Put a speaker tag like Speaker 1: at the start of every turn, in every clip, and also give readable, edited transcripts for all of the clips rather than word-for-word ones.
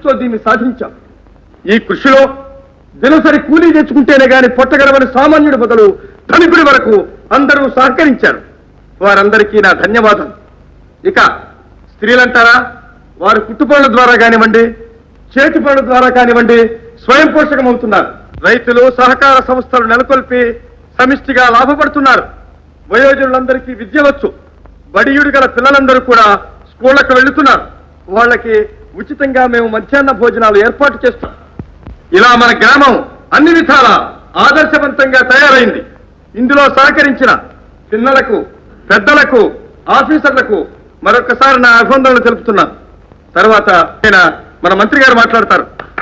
Speaker 1: కృషితో దీన్ని సాధించాం. ఈ కృషిలో దినసరి కూలీ తెచ్చుకుంటేనే గాని పొట్టగలవని సామాన్యుడి బదులు ధనికుడి వరకు అందరూ సహకరించారు. వారందరికీ నా ధన్యవాదాలు. ఇక స్త్రీలంటారా, వారు కుట్టుపనుల ద్వారా కానివ్వండి, చేతి పనుల ద్వారా కానివ్వండి స్వయం పోషకమవుతున్నారు. రైతులు సహకార సంస్థలు నెలకొల్పి సమిష్టిగా లాభపడుతున్నారు. వయోజనులందరికీ విద్య వచ్చు. బడియుడు గల పిల్లలందరూ కూడా స్కూళ్లకు వెళ్తున్నారు. వాళ్ళకి ఉచితంగా మేము మధ్యాహ్న భోజనాలు ఏర్పాటు చేస్తాం. ఇలా మన గ్రామం అన్ని విధాలా ఆదర్శవంతంగా తయారైంది. ఇందులో సహకరించిన పిల్లలకు, పెద్దలకు, ఆఫీసర్లకు మరొకసారి నా అభినందనలు తెలుపుతున్నాను. తర్వాత మన మంత్రి గారు మాట్లాడతారు.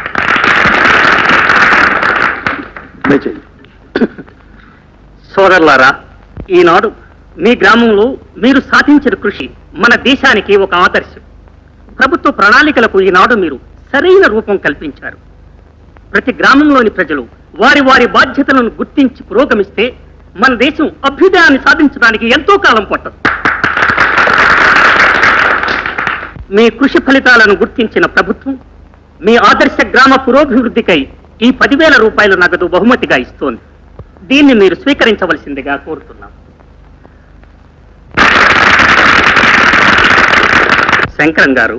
Speaker 2: సోదరులారా, ఈనాడు మీ గ్రామంలో మీరు సాధించిన కృషి మన దేశానికి ఒక ఆదర్శం. ప్రభుత్వ ప్రణాళికలకు ఈనాడు మీరు సరైన రూపం కల్పించారు. ప్రతి గ్రామంలోని ప్రజలు వారి వారి బాధ్యతలను గుర్తించి పురోగమిస్తే మన దేశం అభ్యుదయాన్ని సాధించడానికి ఎంతో కాలం పట్టదు. మీ కృషి ఫలితాలను గుర్తించిన ప్రభుత్వం మీ ఆదర్శ గ్రామ పురోభివృద్ధికై ఈ 10,000 రూపాయల నగదు బహుమతిగా ఇస్తోంది. దీన్ని మీరు స్వీకరించవలసిందిగా కోరుతున్నాం. శంకరం గారు,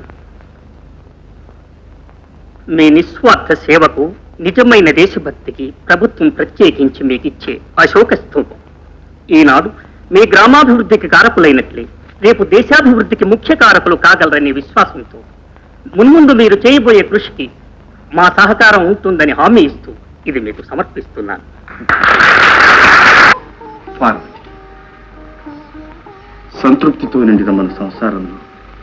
Speaker 2: మీ నిస్వార్థ సేవకు, నిజమైన దేశభక్తికి ప్రభుత్వం ప్రత్యేకించి మీకు ఇచ్చే అశోక స్తూపం ఈనాడు మీ గ్రామాభివృద్ధికి కారకులైనట్లే రేపు దేశాభివృద్ధికి ముఖ్య కారకులు కాగలరనే విశ్వాసంతో మున్ముందు మీరు చేయబోయే కృషికి మా సహకారం ఉంటుందని హామీ ఇస్తూ ఇది మీకు సమర్పిస్తున్నాను.
Speaker 1: సంతృప్తితో నిండిన మన సంసారంలో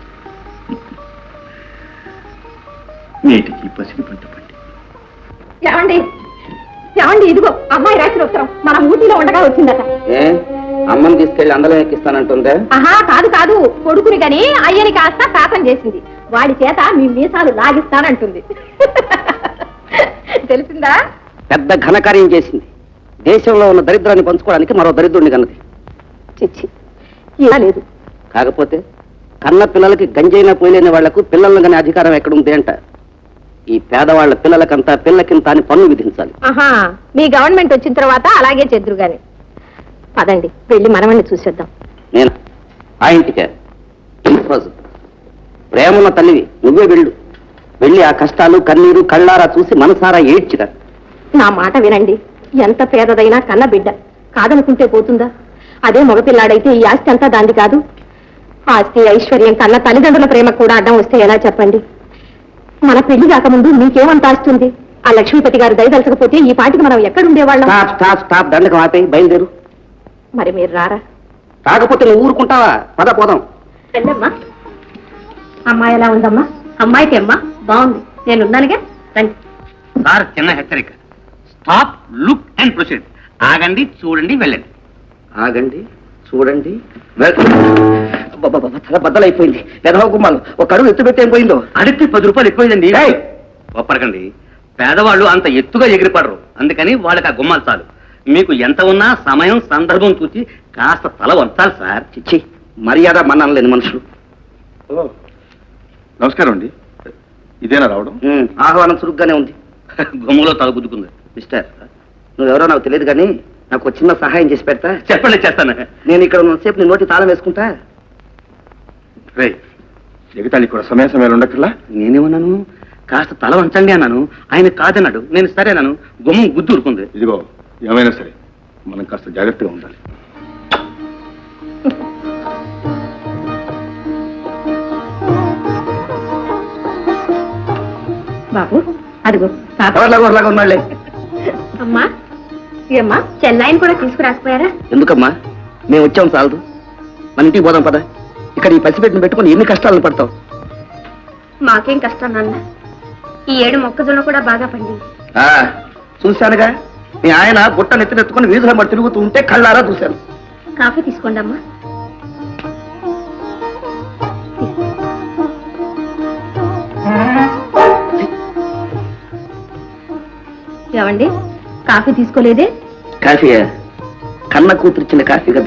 Speaker 1: నేటికి పసిడి పంట పండి.
Speaker 3: ఏమండి ఏమండి, ఇదిగో అమ్మాయి రాసిన ఉత్తరం మన ఊటీలో ఉండగా వచ్చిందట.
Speaker 2: అమ్మని తీసుకెళ్లి అందరం ఎక్కిస్తానంటుందే?
Speaker 3: ఆహా, కాదు కాదు, కొడుకుని గని అయ్యని కాస్త శాపం చేసింది. వాడి చేత మీ మీసాలు లాగిస్తానంటుంది. తెలిసిందా?
Speaker 2: పెద్ద ఘనకార్యం చేసింది. దేశంలో ఉన్న దరిద్రాన్ని పంచుకోవడానికి మరో దరిద్రుడిని కన్నది.
Speaker 3: చిచ్చి, ఇలా లేదు.
Speaker 2: కాకపోతే కన్న పిల్లలకి గంజైనా పోయలేని వాళ్లకు పిల్లలను కానీ అధికారం ఎక్కడుంది అంట. ఈ పేదవాళ్ల పిల్లలకంతా పిల్లకింత అని పన్ను విధించాలి.
Speaker 3: ఆహా, మీ గవర్నమెంట్ వచ్చిన తర్వాత అలాగే చెద్దురు గాని. పదండి, వెళ్ళి మనవణ్ణి చూసేద్దాం.
Speaker 2: నేను ఆ ఇంటికే ప్రేమన్న తల్లివి, నువ్వే వెళ్ళి ఆ కష్టాలు కన్నీరు కళ్ళారా చూసి మనసారా ఏడ్చిరా.
Speaker 3: నా మాట వినండి. ఎంత పేదదైనా కన్న బిడ్డ కాదనుకుంటే పోతుందా? అదే మగపిల్లాడైతే ఈ ఆస్తి అంతా దాంది కాదు. ఆస్తి ఐశ్వర్యం కన్నా తల్లిదండ్రుల ప్రేమ కూడా అడ్డం వస్తే ఎలా చెప్పండి? మన పెళ్లి కాకముందు మీకేమంత ఆస్తుంది? ఆ లక్ష్మీపతి గారు దయదలచకపోతే ఈ పాటికి మనం ఎక్కడుండేవాళ్ళం?
Speaker 2: దండకం ఆపేయి, బయలుదేరు.
Speaker 3: మరి మీరు రారా?
Speaker 2: కాకపోతే నువ్వు ఊరుకుంటావా? పద పోదాం.
Speaker 3: రండమ్మా. అమ్మాయి ఎలా ఉందమ్మా? అమ్మాయికి అమ్మా బాగుంది, నేనున్నానుగా. రండి.
Speaker 2: సార్, చిన్న హెచ్చరిక. Stop, look and proceed. ఆగండి, చూడండి, వెళ్ళండి. ఆగండి, చూడండి, తల బద్దలైపోయింది. పెదవ గుమ్మాలు ఒక అడుగు ఎత్తు పెట్టి ఏం పోయిందో? అడిగితే 10 రూపాయలు ఎక్కువైందండి. ఒప్పరకండి, పేదవాళ్ళు అంత ఎత్తుగా ఎగిరిపడరు. అందుకని వాళ్ళకి ఆ గుమ్మాలు చాలు. మీకు ఎంత ఉన్నా సమయం సందర్భం చూసి కాస్త తల వంచాలి సార్. చిచ్చి, మర్యాద మన్నలేని మనుషులు.
Speaker 1: నమస్కారం అండి. ఇదేనా రావడం?
Speaker 2: ఆహ్వానం చురుగ్గానే ఉంది. గుమ్మలో తల గుద్దుకుంది. మిస్టర్, నువ్వెవరో నాకు తెలియదు కానీ నాకు చిన్న సహాయం చేసి పెడతా? చెప్పండి, చేస్తాను. నేను ఇక్కడ ఉన్నసేపు నీ నోటి తాళం వేసుకుంటా.
Speaker 1: రే, ఎగతాళి కూడా సమయ సమయాలు ఉండక్కర్లా.
Speaker 2: నేనేమన్నాను? కాస్త తల వంచండి అన్నాను. ఆయన కాదన్నాడు. నేను సరేనాను. గుమ్మం గుద్దు ఊరుకుంది.
Speaker 1: ఇదిగో, ఏమైనా సరే మనం కాస్త జాగ్రత్తగా ఉండాలి.
Speaker 3: బాబు, అదిగో
Speaker 2: ఎవరిలాగా ఉన్నాళ్లే.
Speaker 3: అమ్మా, ఏమ్మా, చెన్నైని కూడా తీసుకురాకపోయారా?
Speaker 2: ఎందుకమ్మా? మేము వచ్చాం చాలదు. మన ఇంటికి పోదాం పద. ఇక్కడ ఈ పసిపెట్టిన పెట్టుకుని ఎన్ని కష్టాలను పడతావు?
Speaker 3: మాకేం కష్టం నాన్న. ఈ ఏడు మొక్కజొన్న కూడా బాగా పండింది.
Speaker 2: చూశానుగా, మీ ఆయన బుట్ట నెత్తినెత్తుకుని వీధుల మరి తిరుగుతూ ఉంటే కళ్ళారా చూశాను.
Speaker 3: కాఫీ తీసుకోండి అమ్మా. ఏమండి, కాఫీ తీసుకోలేదే?
Speaker 2: కాఫీ కన్న కూతురిచ్చిన కాఫీ కదా.